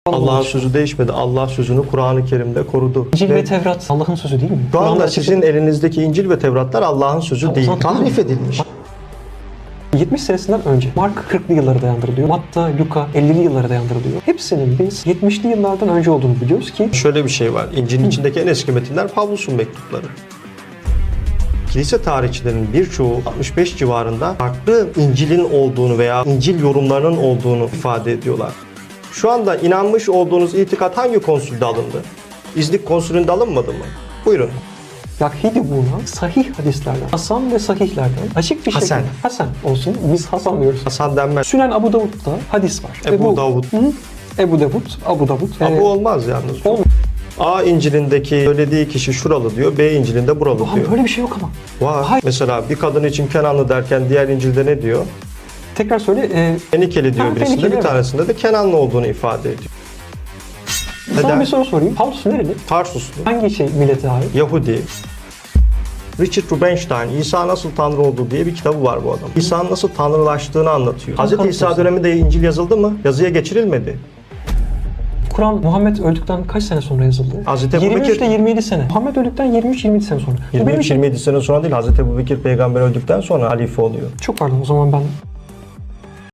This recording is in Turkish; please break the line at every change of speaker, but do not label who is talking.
Allah'ın sözü değişmedi. Allah sözünü Kur'an-ı Kerim'de korudu.
İncil ve Tevrat Allah'ın sözü değil mi?
Şu anda
Kur'an'da
sizin elinizdeki İncil ve Tevratlar Allah'ın sözü değil.
zaman
Tahrif edilmiş.
70 senesinden önce Mark 40'lı yıllara dayandırılıyor. Matta, Luka 50'li yıllara dayandırılıyor. Hepsinin biz 70'li yıllardan önce olduğunu biliyoruz ki
Şöyle bir şey var. İncil'in içindeki en eski metinler Pavlus'un mektupları. Kilise tarihçilerinin birçoğu 65 civarında farklı İncil'in olduğunu veya İncil yorumlarının olduğunu ifade ediyorlar. Şu anda inanmış olduğunuz itikat hangi konsülde alındı? İznik konsülünde alınmadı mı? Buyurun.
Yahidi bulunan sahih hadislerden, Hasan ve sahihlerden açık bir
Hasan.
şekilde Hasan olsun. Biz Hasan diyoruz.
Hasan denmez.
Sünen Abu Davud'da hadis var.
Ebu Davud.
Ebu Davud, Abu Davud.
Abu olmaz yalnız.
Olmuyor.
A İncil'indeki söylediği kişi şuralı diyor, B İncil'inde buralı
Abi
diyor.
böyle bir şey yok ama.
Var.
Hayır.
Mesela bir kadın için Kenanlı derken diğer İncil'de ne diyor?
Tekrar söyle.
Fenikeli diyor
Ha,
birisinde,
Fenikeli,
bir
evet.
tanesinde de Kenanlı olduğunu ifade ediyor.
Sana
Neden?
bir soru sorayım. Paulus nereli?
Tarsuslu,
Hangi millete ait?
Yahudi. Richard Rubinstein, İsa nasıl Tanrı oldu diye bir kitabı var bu adam. İsa'nın nasıl tanrılaştığını anlatıyor. Hz. İsa döneminde İncil yazıldı mı? Yazıya geçirilmedi.
Kur'an Muhammed öldükten kaç sene sonra yazıldı?
Hazreti Ebu
23
Bekir-
ile 27 sene. Muhammed öldükten 23-27 sene sonra. Bu benim için
23-27 sene sonra değil, Hz. Ebubekir peygamber öldükten sonra halife oluyor.
çok pardon, o zaman ben